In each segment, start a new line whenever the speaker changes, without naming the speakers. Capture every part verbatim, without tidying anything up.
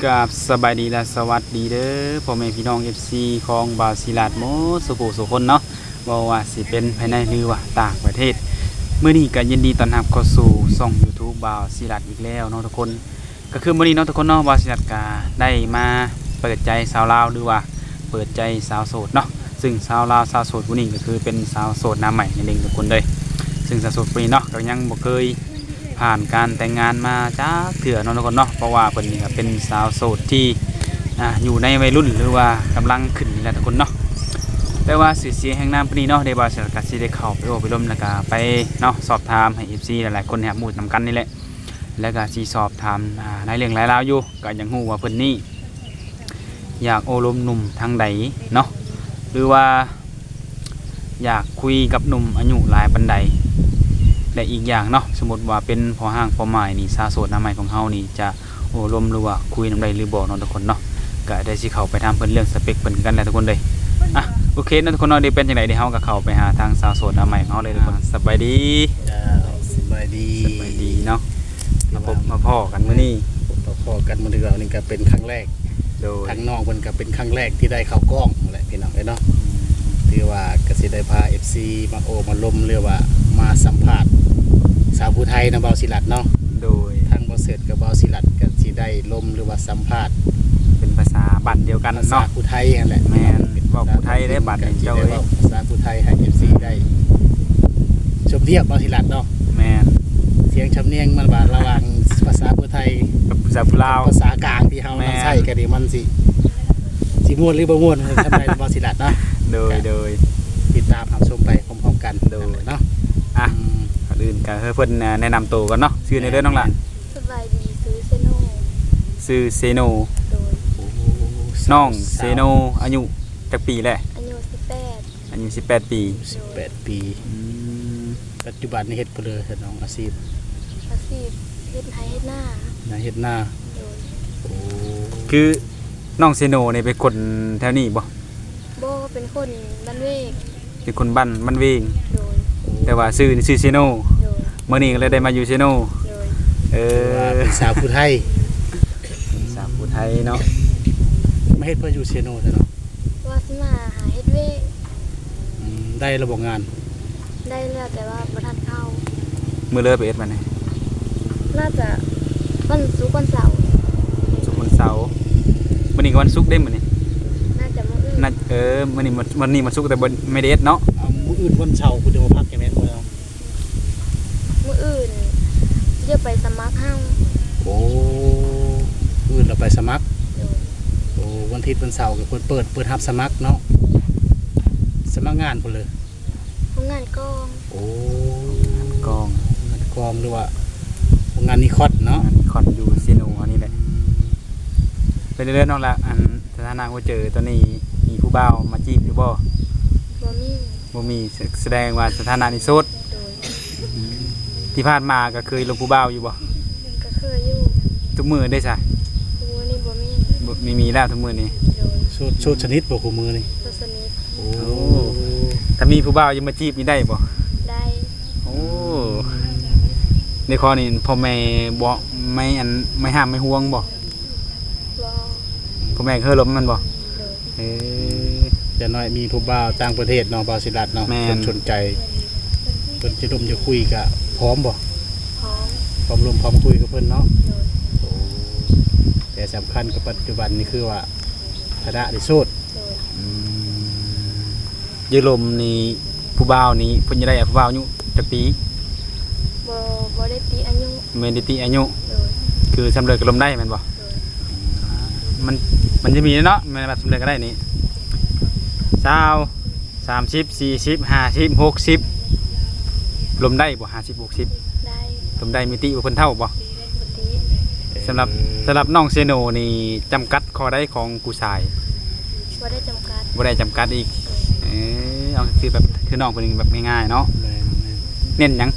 กับสบายดีและสวัสดีเด้อพ่อแม่พี่น้อง เอฟ ซี ของบาวศิลาดโมสุโขสุคนเนาะบ่ว่าสิเป็นภายในหรือว่าต่างประเทศมื้อนี้ก็ยินดีต้อนรับเข้าสู่ช่อง YouTube บาวศิลาดอีกแล้วเนาะทุกคนก็คือมื้อนี้เนาะทุกคนเนาะบาวศิลาดก็ได้มาเปิดใจสาวลาวหรือว่าเปิดใจสาวโสดเนาะซึ่งสาวลาวสาวโสดผู้นี้ก็คือเป็นสาวโสดหน้าใหม่นั่นเองทุกคนเลยซึ่งสาวโสดผู้นี้เนาะก็ยังบ่เคยผ่านการแต่งงานมาจ้าเถื่อเนาะทุกคนเนาะเพราะว่าเพิ่นนี่ก็เป็นสาวโสดที่อ่าอยู่ในวัยรุ่นหรือว่ากำลังขึ้นนี่แหละทุกคนเนาะแต่ว่าสื่อเสียงแห่งน้ำปนี้เนาะได้บาสกัดสิได้เข้าไปโอ้ไปล้มแล้วก็ไปเนาะสอบถามให้ เอฟ ซี หลายๆคนแหบหมู่นำกันนี่แหละแล้วก็สิสอบถามอ่าในเรื่องหลายราวอยู่ก็ยังฮู้ว่าเพิ่นนี่อยากโอ้ลมหนุ่มทางใดเนาะหรือว่าอยากคุยกับหนุ่มอายุหลายปานใดและอีกอย่างเนาะสมมติว่าเป็นพอห้างพอหมายนี่สาวโสดหน้าใหม่ของเฮานี่จะโอ้ลมหรือว่าคุยนำใดหรือบ่เนาะทุกคนเนาะก็ได้สิเข้าไปถามเพิ่นเรื่องสเปคเพิ่นกันแล้วทุกคนเลยอ่ะโอเคนะทุกคนเนาะเดี๋ยวเป็นจังไดเดี๋ยวเฮาก็เข้าไปหาทางสาวโสดหน้าใหม่ของเฮาเลยทุกคนสบายดี
จ้าสบายดี
สบายดีเนาะมาพบมาพ้อกันมื้อนี้
พบพอกันมื้อนี้เรานี่ก็เป็นครั้งแรก
โดย
ทางน้องเพิ่นก็เป็นครั้งแรกที่ได้เข้ากล้องนั่นแหละพี่น้องเอ้ยเนาะถือว่าก็สิได้พา เอฟ ซี มาโอมาลมเรียกว่ามาสัมภาษณ์สาวผู้ไทยนะเบาศิลัดเนาะ
โดย
ทางบ่เสร็จกับเบาศิลัดก็สิได้ลมหรือว่าสัมภาษณ์
เป็นภาษาบ้านเดียวกัน
ภาษา
เนาะ
ผู้ไทยนั่นแหละ
แม่นเว้าผู้ไทยได้บัดนี้เจ้าเอ้ย
ภาษาผู้ไทยให้ เอฟ ซี ได้ชมเทียบเบาศิลัดเนาะ
แม่น
เสียงชำเนียงมันว่าระหว่างภาษาผู้ไทย
กับภาษาผู้ลาว
ภาษากลางที่เฮา
แม่น
ใช้กันนี่มันสิสิม่วนหรือบ่ม่วนทำไมบ่สิลัดเนาะ
โดยโดย
ติดตามรับชมไปพร้อมๆกัน
โดย
เนาะ
อ่ะก่อนอื่นก็ให้เพิ่นแนะนำตัวก่อนเนาะชื่อในเรื่องน้องหลาน
สบายดีซื้อเซโน่
ชื่อเซโน
โดย
น้องเซโนอายุจักปีแหละ
อายุสิบแปด
อายุสิบแปดปี
สิบแปดปี
อืม
ปัจจุบันนี้เฮ็ดเพนเลยน้องอาชีพ
อาชีพเฮ็ดไทยเฮ็ดหน้า
นะเฮ็ดหน้า
โดย
โอ้
คือน้องเซโนนี่เป็นคนแถวนี้บ่
โบเป็นคนบ้านเวก
เป็นคนบ้านบ้านเวง
โดย
แต่ว่าชื่อนี่ชื่อเซโน
โดย
มื้อนี้ก็เลยได้มาอยู่เซโน
โดย
เอ
ว่า
อ
เป็นสาวผู้ไทย
สาวผู้ไทยเนาะ
ไม่เฮ็ดเพื่ออยู่เซโนซะเนาะ
ว่าสิมาหาเฮ็ดเวก
อืมได้ระบบงาน
ได้แล้วแต่ว่าบ่ทันเข้า
มื้อเลิกไปเอ็ดมานี่
น่าจะวันศุกร์วันเสาร์
ศุกร์วันเสาร์มื้อนี้ก็วันศุกร์เด้มื้อนี้
น่าจะมื้ออื่น
น่าเออมื้อนี้มันวันนี้มันศุกร์แต่บ่ไม่ได้เอ็ดเนาะ
เอามื้ออื่นวันเสาร์คุณจะมาพักแค่แม่นบ่เนาะ
มื้ออื่นเดี๋ยวไปสมัครเฮา
โอ้อื่นเราไปสมัคร
โดย
โอ้วันอาทิตย์วันเสาร์ก็เปิดเปิดเปิดรับสมัครเนาะสมัครงานพุ่นเลย
โรงงานกอง
โอ้
กอง
งานกองหรือว่า งานนิคอตเนาะ
อันนี้คอนอยู่เซโนอันนี้แหละไปเรื่อยๆน้องละอันสถานะว่าเจอตอนนี้มีผู้บ่าวมาจีบอยู่บ่
บ่มี
บ่มีแสดงว่าสถานะนี้โสด
โดย
ที่ผ่านมาก็เคยลงผู้บ่าวอยู่บ่
ก็เคยอยู่
ทุกมื้อได้ซะ
มื้อนี้บ่มี
บ่มีมีแล้วทุกมื้อนี้
โดย
ชุดชุดชนิดบ่คู่มือนี่
ตัวสนิท
โอ้
ถ้ามีผู้บ่าวยังมาจีบนี่ได้บ่
ได้
โอ้ในข้อนี้พ่อแม่บ่ไม่อันไม่ห้ามไม่ห่วงบ่
บ่
พ่อแม่เคยลมมันบ่
โดย
เออ
จะน้อยมีผู้บ่าวต่างประเทศเนาะบ่าวศิลัดเนาะ
แม่น
เพิ่นสนใจเพิ่นจะร่วมจะคุยกะพร้อมบ่
พร้อม
พร้อมร่วมพร้อมคุยกับเพิ่นเนาะ
โดย
โอ้แต่สำคัญกับปัจจุบันนี่คือว่าฐานะได้โสด
โดย
อืมยืลมนี่ผู้บ่าวนี่เพิ่นจะได้ผู้บ่าวอายุจักปี
บ่บ่ได้ตีอายุ
แม่นได้ติอายุ
โดย
คือสำเร็จก็ลมได้แม่นบ่
โดย
มันมันจะมีเนาะมันแบบสำเร็จก็ได้นี่เช้าสามสิบสี่สิบห้าสิบหกสิบลมได้บ่ห้าสิบหกสิบ
ได้
ลมได้มีติบ่เพิ่นเท่าบ่
ปกติ
สำหรับสำหรับน้องเซโนนี่จำกัดข้อได้ของผู้ชาย
บ่ได้จำกัด
บ่ได้จำกัดอีกเออเอาคือแบบคือน้องเพิ่นแบบง่ายๆเนาะ
แม่นแม่น
เน้นหยัง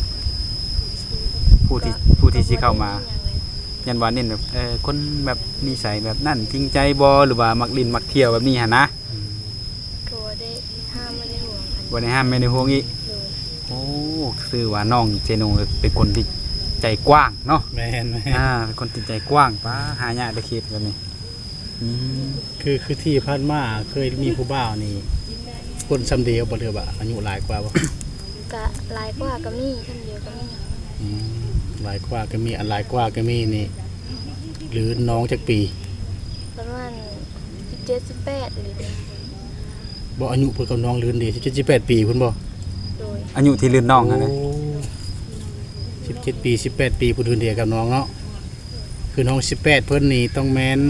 ผู้ที่ผู้ที่สิเข้ามายันว่าเน้นแบบเออคนแบบนิสัยแบบนั่นจริงใจบ่หรือว่ามักลิ้นมักเที่ยวแบบนี้หั่นนะ
อืม
ก็บ่ได้ห้ามไม่ได้ห่วงกัน
บ่ได้ห้ามไม่ได้ห่วงอีก
โดย
โอ้คือว่าน้องเจโนเป็นคนที่ใจกว้างเนาะ
แม่น
อ่าเป็นคนจิตใจกว้างป้าหายากได้เขตแบบนี้อืม
คือคือที่ผ่านมาเคยมีผู้บ่าวนี่คนซ้ำเดียวบ่เด้อบ่อายุหลายกว่าบ่
กะหลายกว่าก็มีท่านเดียวก็มี
อืมหลายกว่าก็มีอันหลายกว่าก็มีนี่ หรือน้องจักปี
ประมาณสิบเจ็ด สิบแปดหรือ
บ่อายุเพิ่นกับน้องลืนดีสิบเจ็ด สิบแปดปีเพิ่นบ่
โดย
อายุที่ลื่นน้องนะนะ
สิบเจ็ดปีสิบแปดปีผู้ลืนเดียวกับน้องเนาะคือน้องสิบแปดเพิ่นนี่ต้องแม่น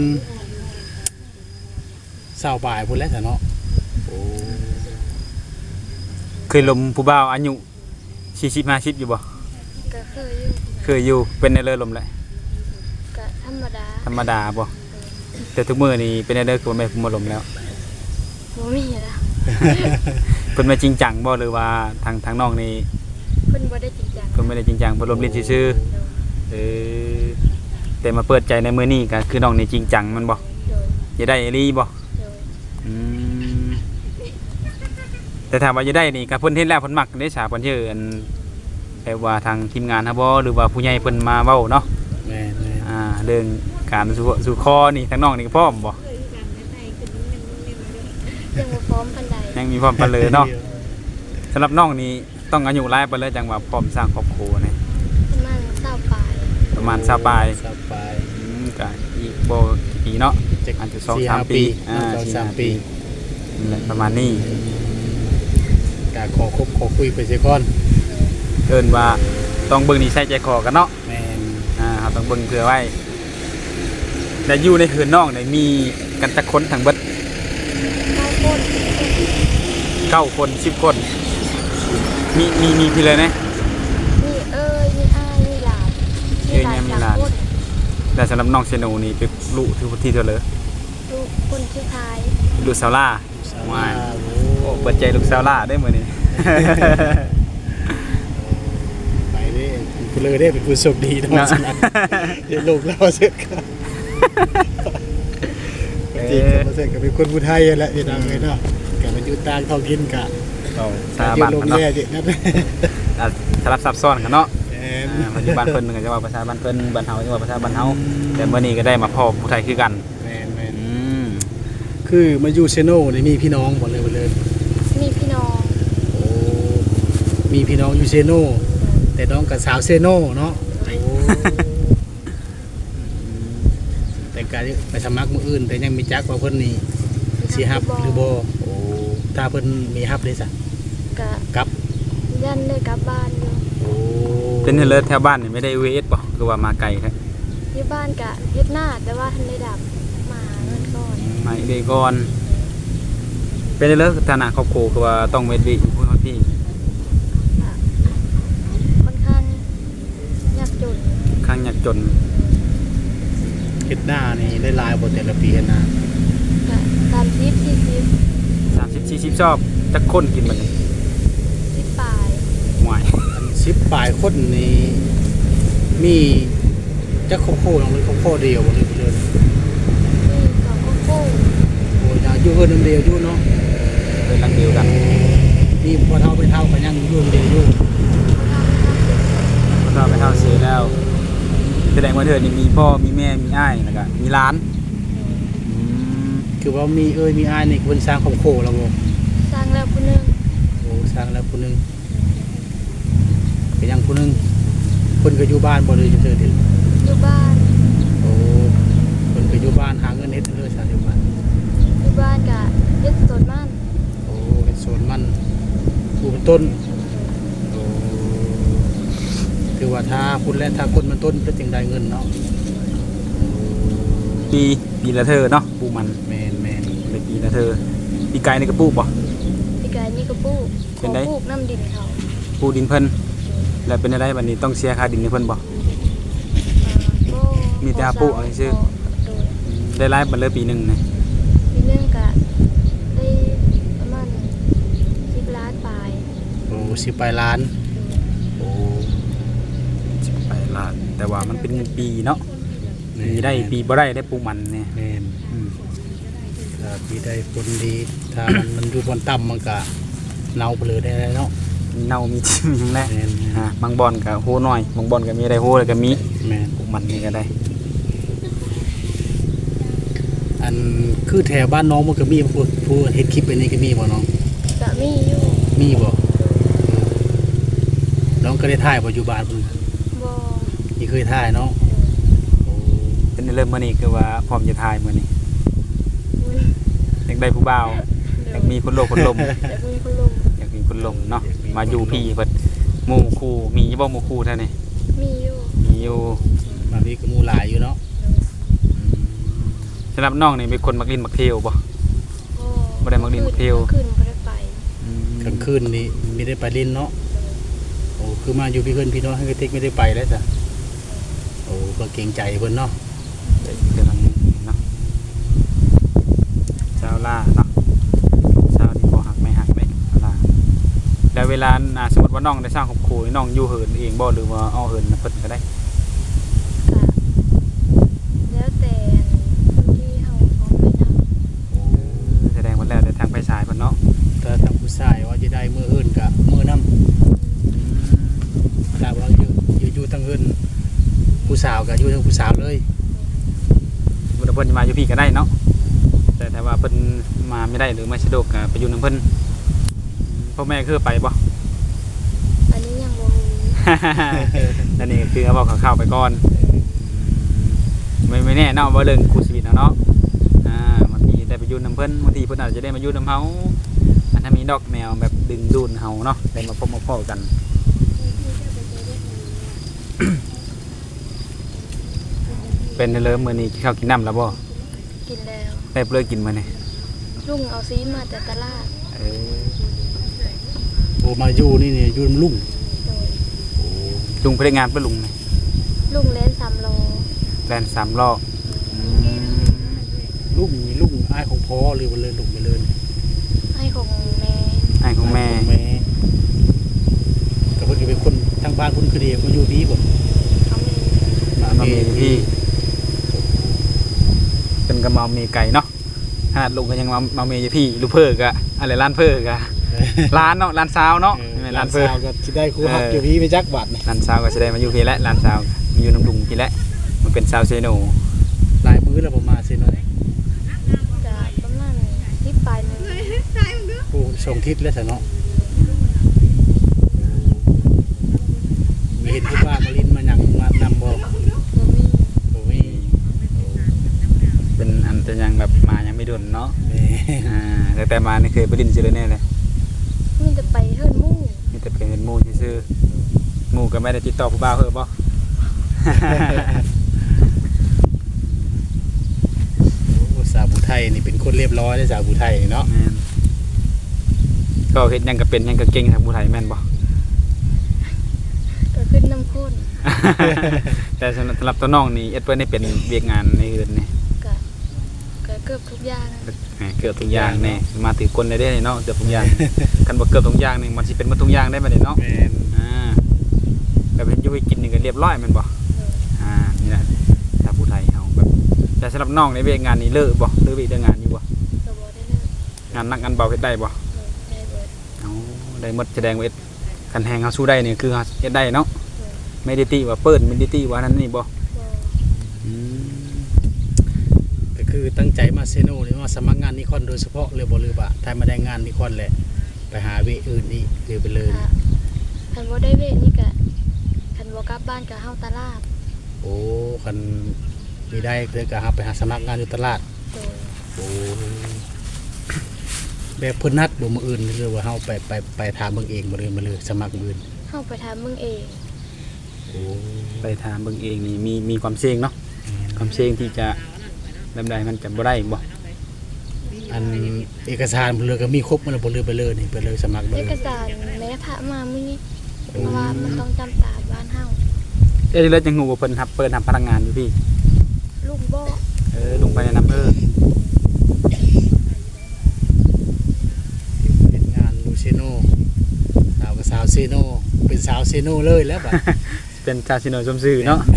เศร้าปลายพุ่นแล้วซะเนาะโอ้
เคยลมผู้บ่าวอายุสี่สิบห้าสิบอยู่บ่
ก็เคยอยู่
เคยอยู่เป็นในเรือลมเลย
กะธรรมดา
ธรรมดาบ่แต่ทุกมื้อนี่เป็นในเรือคือบ่แม่นผู้มาลมแล้ว
บ่มีละ
เพิ่นมาจริงจังบ่หรือว่าทางทางน้องนี่
เพิ่นบ่ได้จริงจัง
เพิ่นไม่ได้จริงจังเพิ่นลมเล่นซื่อๆเออแต่มาเปิดใจในมื้อนี้ก็คือน้องนี่จริงจังมันบ่
โดย
จะได้อีหลีบ่
โดย
อืมแต่ถ้าว่าจะได้นี่ก็เพิ่นเฮ็ดแล้วเพิ่นมักได้สาเพิ่นชื่ออันแปลว่าทางทีมงานฮะบ่หรือว่าผู้ใหญ่เพิ่นมาเว้าเนาะ
แม่นแม่น
อ่าเรื่องการสู่สู่คอนี่ทางน้องนี่ก็พร้อมบ่
ยังบ่พร้อมปานใด
ยังมีพร้อมปานเลยเนาะสำหรับน้องนี่ต้องอายุหลายปานเลยจังว่าพร้อมสร้างครอบครัวนี่
ประมาณเศร้าปลาย
ประมาณ20ปลาย
เศร้าปลาย
อืมก็อีกบ่กี่ปีเนาะ
จัก
อาจจะสอง
สี่
สาม
ห้า
ปีอ่า
สอง
สี่
สาม
ห้า
ปี
นั่นแหละประมาณนี้
ก็ขอคบขอคุยไปเสียก่อน
เอิ้นว่าต้องเบิ่งนิสัยใจคอกันเนาะ
แม่น
อ่าเราต้องเบิ่งเผื่อไว้แต่อยู่ในคืนน้องเนี่ยมีกันจักคนทั้งเบิด
เก้าคน
เก้าคนสิบคนมีมีมีพี่เลยนะ
มีเอ้ยมีอ้ายมีหลาน
เอ้ยเนี่ยมีหลาน
สมคน
แต่สำหรับน้องเชโนนี่เป็นลูกที่ที่เท่าเลย
ลูกคนสุดท้าย
ลูกสาวล่า
สาว
ว้าย
ลาว
โอ้เปิดใจลูกสาวล่าได้มื้อนี้
ไปเด้ผู้เลยได้เป็นผู้โชคดีเนาะ
เนาะ
สนับเดี๋ยวลูกเราเสร็จครับจริงๆเขาเสร็จก็เป็นคนผู้ไทยแหละพี่น้องเลยเนาะก็มาอยู่ต่างท้องถิ่นกะ
เอาสา
อยู่
บ้าน
โรง
กันเนาะ
แรมนั่นแหละ
อ่ะสลับซับซ้อนกันเนาะ
แม่น
อ่าปัจจุบันเพิ่นก็จะว่าภาษาบ้านเพิ่นบ้านเฮาจะว่าภาษาบ้านเฮาแต่มื้อนี้ก็ได้มาพบผู้ไทยคือกัน
แม่นแม่น
อืม
คือมาอยู่เซโน่นี่มีพี่น้องหมดเลยหมดเลย
มีพี่น้อง
โอ้มีพี่น้องอยู่เซโน่แต่น้องกับสาวเซโน่เนาะโอ้แต่การไปสมัครมืออื่น แต่ยังมีจักว่าเพิ่นนี่สิฮับหรือบ่โอ้ถ้าเพิ่นมีฮับเลยซะ
กะ
กลับ
ยันได้กลับบ้านอยู่
โอ้
เป็นเฮดเลยแถวบ้านนี่ไม่ได้ วี เอส บ่คือว่ามาไกลแท้
อยู่บ้านกะเฮ็ดหน้าแต่ว่าทันได้ดับมาเงินก่อน
มาอีกเดยวก่อนเป็นเรื่องฐานะครอบครัวคือว่าต้องเวทวิอยู่พูดเขาที่
อะค่อนข้างยากจน
ข้างยากจน
เฮ็ดหน้านี่ได้หลายบ่แต่ละปีเฮ็ดหน้าก
ะสามสิบสี่สิบ
สามสิบสี่สิบชอบจักคนกินมันนี่
สิบปลาย
ห่วย
อันสิบปลายคนนี่มีจักครอบครัวน้องเลยครอบครัวเดียวบ่เลยบ่เลย
มีสองโคโค่
โอ้ยน่าอยู่เพิ่นนำเดียวอยู่เนาะ
เป็นรังเดียวกัน
นี่พอเท่าไปเท่ากันยังอยู่นำเดียวอยู่
พอเราไปเท่าเสียแล้วแสดงว่าเธอนี่มีพ่อมีแม่มีอ้ายแล้วก็มีร้านอืม
คือว่ามีเอ้ยมีอ้ายนี่เพิ่นสร้างครอบครัวแล้วบ่
สร้างแล้วผู้หนึง
โอ้สร้างแล้วผู้หนึงก็ยังผู้หนึงเพิ่นก็อยู่บ้านบ่เลยจะเจอเด้อ
อยู่บ้าน
โอ้เพิ่นก็อยู่บ้านหาเงินเฮ็ดเด้อซะอยู่บ้าน
อยู่บ้านกะเฮ็ดสวนมัน
โอ้เฮ็ดสวนมันปลูกเป็นต้นโอ้คือว่าถ้าคุณและถ้าคนมันต้นก็จึงได้เงินเนาะ
ปีปีละเธอเนาะปลูกมัน
แม่นแม่น
เลยปีละเธอปีไก่นี่ก็ปลูกบ่
พี่กายนี่ก็ปลูก
เป็นไง
ปลูกน้ำดินเขา
ปลูกดินเพิ่นแล้วเป็นอะไรบัดนี้ต้องเสียค่าดินให้เพิ่นบ่
อ่าก็
มีแต่หาปลูกเอาซื่อ
โดย
ได้รายบัดเลยปีหนึงนะ
ปีหนึงกะได้ประมาณสิบล้านปลาย
โอ้สิบปลายล้านโอ้
สิบไปล้านแต่ว่ามันเป็นปีเนาะปีได้ปีบ่ได้ได้ปลูกมันเนี่ย
แม่น
อืม
ถ้าปีได้ผลดีถ้ามันมันอยู่บนต่ำมันก็เน่าไปเลยได้เนาะ
มีเน่ามีทิ่มอย่างแรก
แม่น
อ่าบางบอนก็โหน้อยบางบอนก็มีได้โหแล้วก็มี
แม่น
พวกมันนี่ก็ได้
อันคือแถวบ้านน้องมันก็มีผู้ผู้เฮ็ดคลิปอันนี้ก็มีบ่น้อง
ก็มีอยู่
มีบ่น้องก็ได้ถ่ายบ่อยู่บ้านเพิ่น
บ่
ที่เคยถ่ายเนาะโอ้
เป็นเริ่มมื้อนี้คือว่าพร้อมจะทายมื้อนี้
อุ้ย
อยากได้ผู้บ่าวอยากมีคนโลกคนลม
แต่มีคนลง
อยากมีคนลมเนาะมาอยู่พี่เพิ่นหมู่คู่มีบ่หมู่คู่เท่านี้
มีอยู่
มีอยู่
มามีก็หมู่หลายอยู่เนาะ
สำหรับน้องนี่เป็นคนมักลิ้นมักเที่ยวบ่ บ่ได้มักดินมักเที่ยว
ขึ้นบ่ได้ไป
กลางคืนนี่ไม่ได้ไปเล่นเนาะโอ้คือมาอยู่พี่เพิ่นพี่น้องให้กระติกไม่ได้ไปแล้วจ้ะโอ้ก็เกรงใจเพิ่นเนาะ
เดี๋ยวทางนี้เนาะเจ้าล่าเนาะเจ้านี่บ่หักไม่หักเลยเจ้าล่าแล้วเวลาอ่าสมมติว่าน้องได้สร้างครอบครัวนี่น้องอยู่เหินเองบ่หรือว่าเอาเหินเพิ่นก็ได้
ก็แล้วแต่คนที่เฮาพร้อมไปนำ
แสดงว่าแล้วแต่ทางไปสายเพิ่นเนาะ
ถ้าทางผู้ชายว่าจะได้มืออื่นกะมือน้ำถ้าว่าอยู่อยู่อยู่ทางอื่นผู้สาวกะอยู่ทางผู้สาวเลย
บ่ได้เพิ่นจะมาอยู่พี่ก็ได้เนาะแต่ถ้าว่าเพิ่นมาไม่ได้หรือไม่สะดวกก็ไปอยู่นำเพิ่นพ่อแม่คือไปบ่
อันนี้ยังบ่รู้
นั่นนี่คือเอาบอกข่าวๆไปก่อนไม่ไม่แน่เนาะว่าเรื่องคู่ชีวิตเนาะเนาะอ่าบางทีได้ไปอยุ่นน้ำเพิ่นบางทีเพิ่นอาจจะได้มาอยุ่นน้ำเฮาอันถ้ามีดอกแนวแบบดึงดูดเฮาเนาะได้มาพบมาพ้อกัน เป็นเลยมื้อนี้กินข้าวกินน้ำแล้วบ่
กินแล้ว
ได้เปลือกกินมื้อนี้
ลุงเอาซีมาจากตลาด
เออ
โอ้มาอยู่นี่เนี่ยอยู่นำลุง
โดย
โอ้
ลุงพนักงานเพิ่นลุงนี่
ลุงเล่นสามโล
แล่นสามล้ออืม
ลุงมีลุงอ้ายของพ่อหรือว่าเลยลุงไปเลย
ให้ของแม่
ไอ้ของแม่
แม่ก็เพิ่นก็เป็นคนทางบ้านเพิ่นคือดีมาอยู่ดีบ่
เขามี
มามีพี่เป็นกระเมามีไก่เนาะขนาดลุงก็ยังมามามีอยู่พี่ลูกเพิ่กอะอะไรร้านเพิ่กอะร้านเนาะร้านซาวเนาะ
เออ
ไม่แม่น
ร้า
ร้าน น
เพิ่
เพิ่
น
ก
ก็สิได้ครูฮักอยู่พี่ไปจักบาทนี่
ร้านซาวก็แสดงมาอยู่พี่และร้านซาวมีอยู่น้ำดุงพี่และมันเป็นซาวเซโน
หลายมื้อแล้วบ่มาซิเนาะ
จะประมาณที่ปลายหนึง
ผู้ส่งทิศแล้วซะเนาะมีเห็นผู้ว่ามาลินมาหยังมานำบ่
บ่มี
บ่มี
เป็นอันจะยังแบบมายังไม่ดุนเนาะ
แหม่
อ่าแต่แต่มานี่เคยไปดินซิเลยแน่เลย
มีแต่ไปเฮิรนหมู่
มีแต่เป็นหมู่ซื่อๆหมู่ก็ไม่ได้ติดต่อผู้บ่าวเพิ่มบ่
โอ้สาวผู้ไทยนี่เป็นคนเรียบร้อยเด้อสาวผู้ไทยนี่เนาะ
แม่นก็เฮ็ดหยังก็เป็นหยังก็เก่งทางผู้ไทยแม่นบ่
ก็ขึ้นน้ำข้น
แต่สำหรับสำหรับตัวน้องนี่เอ็ดเพิ่นได้เป็นเวียกงานในอื่นนี่
ก็ก็เกือบทุกอย่างนะ
แหมเกือบทุกอย่างแน่มาถือคนได้เด้เนาะเกือบทุกอย่าง กันบ่เกือบทุกอย่างนี่มันสิเป็นหมดทุกอย่างได้บัดนี้เนาะ
แม่น
อ่าแบบเห็นอยู่ให้กินนี่ก็เรียบร้อยแม่นบ่
เออ
อ่านี่แหละชาวผู้ไทยเฮาแบบแต่สำหรับน้องในเวียกงานนี่เลิกบ่หรือเวียกเรื่องงานอยู่บ่
ก็บ่ได้เลิก
งานหนักงานเบาเฮ็ดได้บ่
เออได้เบิด
เอาได้หมดแสดงว่าเฮ็ดคันแฮงเฮาสู้ได้นี่คือเฮาเฮ็ดได้เนาะ
เออ
ไม่ได้ติว่าเปิดไม่ได้ติว่านั้นนี่บ่
บ่
อืม
ก็คือตั้งใจมาเซโนนี่มาสมัครงานนิคอนโดยเฉพาะเลยบ่หรือว่าถ้ามาได้งานนิคอนแหละไปหาเวอื่นอีกหรือไปเลย
ค่ะคันบ่ได้เวทนี่ก็คันบ่กลับบ้านก็เฮาตลาด
โอ้คันมีได้เธอก็หาไปหาสมัครงานอยู่ตลาด
โดย
โอ้แบบเพิ่นนัดบ่มื้ออื่นหรือว่าเฮาไปไปไปถามเบิ่งเองบ่เลยมาเลยสมัครมื้ออื่น
เฮาไปถามมึงเอง
โอ้
ไปถามเบิ่งเองนี่มีมีความเสี่ยงเนาะความเสี่ยงที่จะแบบใดมันจะบ่ได้บ่
อันเอกสารเพิ่นเลยก็มีครบหมดแล้วบ่เลยไปเลยนี่ไปเลยสมัครบ่
เอ
เลย
กสารแม่พระมามื้อนี้เพราะว่ามันต้องจำตามบ้านเฮา
เอ้ยแล้วจังฮู้ว่าเพิ่นรับเปิดรับพนักงานอยู่พี่
ลุงบ่
เออลงไปในนำเออ
เป็นงานลูเซโนสาวก็สาวเซโนเป็นสาวเซโนเลยแล้วบัด
เป็นชาซิโนชมซื่อเนาะ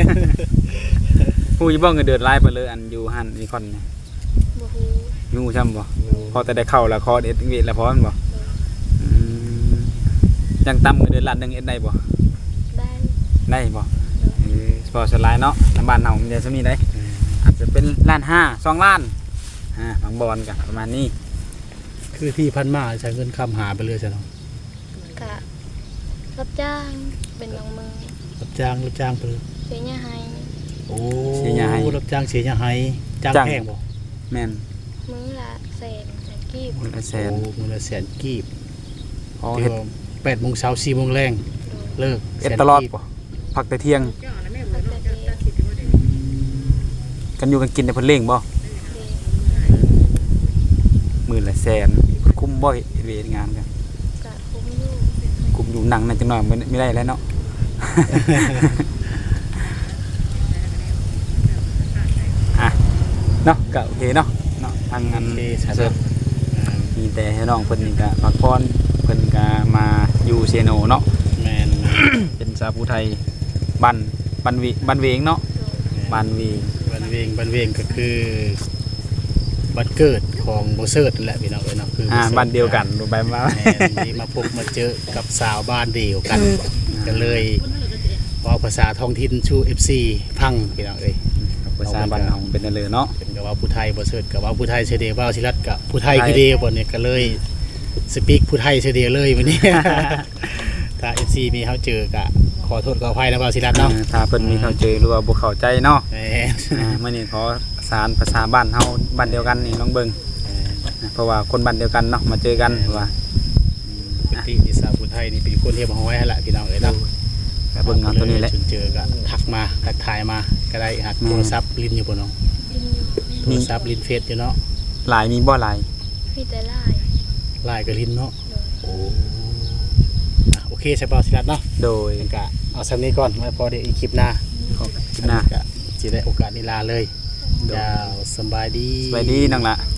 ผู้อยู่บ่เงินเดือนหลายไปเลยอันอยู่หั่นนี่คอนนี่
บ่ฮู้
อยู่ช่ำบ่พอแต่ได้เข้าแล้วคอเด็ดเวทแล้วพอมันบ่อืมยังต่ำกว่าเดือนละหนึงเอ็ดได้บ่
ได้
ได้บ่เออพอสลายเนาะน้ำบ้านเฮามันจะซะมีได้อาจจะเป็นล้านห้าสองล้านอ่าบางบอนก็ประมาณนี้
คือที่พันมาใช้เงินคำหาไปเลยใช่เนาะ
กะรับจ้างเป็นบางมือ
รับจ้างรับจ้างไปเลย
เสียหญ้าให้
โอ้รับจ้างเสียหยังไห้จ้างแพงบ่
แม่น
มื้อละแสนแสนกีบ
คนละแส
โอ้
น
มื้อละแสนกีบ
พอ
เดี๋
เฮ็
ย
ด
วแปดโมงเช้าสี่โมงแรงเลิก
เอ็ดตลอดบ่พักแต่เที่ยง
พักแต่เด็ก
กันอยู่กันกินแต่เพิ่นเล่งบ่
เด็ก
มื้อละแสนคุ้มบ่เวทงานกัน
กะคุ้มอยู่
คุ้มอยู่หนังนั่นจังหน่อยไม่ไม่ได้แล้วเนาะ อ่ะเนาะก็โอเคเนาะเนาะทางงาน
โอเคใช่
เสร็
เนาะ
จมีแต่ให้น้องเพิ่นนี่ก็พักผ่อนเพิ่นก็มาอยู่เซโนเนาะ
แม่น
เป็นสาวผู้ไทยบ้านบ้านวิบ้านเวงเนาะ
โดย
บ้านเวง
บันเวงบันเวงก็คือบันเกิดของโบเซิร์ดนั่นแหละพี่น้องเอ้ยเนาะคือ
อ่า
โซิร์
บ้านเดียวกันดูไปมา
แม่นที่มาพบมาเจอกับสาวบ้านเดียวกันก็เลยเว่าภาษาท้องถิ่นชู เอฟ ซี พังพี่น้องเอ้ย
ภาษาบ้านเฮาเป็นนั่นเลยเนาะ
เป็นกับว่าผู้ไทยโบเซิร์ดกับว่าผู้ไทยเฉยเดียวว่าศิรัตกับผู้ไทยคือเดียวบนเนี่ยก็เลยสปีกผู้ไทยเฉยเดียวเลยวันนี้ ถ้า เอฟ ซี มีเขาเจอกะขอโทษขออภัยนะว่าศิรัตเนาะ
เออถ้าเพิ่นมีเข้าใจหรือว่าบ่เข้าใจเนาะ
แหม
อ่ามื้อนี้ขอสารภาษาบ้านเฮาบ้านเดียวกันนี่ลองเบิ่งเพราะว่าคนบ้านเดียวกันเนาะมาเจอกันว่า
เป็นที่ที่สาวผู้ไทยนี่เป็นคนเทียบห้อยให้ละพี่น้องเอ้ยเนาะ
ก็เบิ่งเอาตัวนี้แหละ
ถึงเจอก็ทักมาทักทายมาก็ได้หัก
แม่
โทรศัพท์ลิ้นอยู่บนน้อง
กินอยู่
โทรศัพท์ลิ้นเฟซอยู่เนาะ
หลายมีบ่หลาย
มีแต่ลาย
ไลน์ก็ลิ้นเนาะ
โดย
โอ้อ่ะโอเคใช่ป่าวศิรัตเนาะ
โดย
เป็นกะเอาสักนี้ก่อนไว้พอเดี๋ยวอีกคลิปหน้า
ขอบคุณนะ
ก็จะได้โอกาสนิลาเลยยาวสำบายดี
สวัสดีน้องละ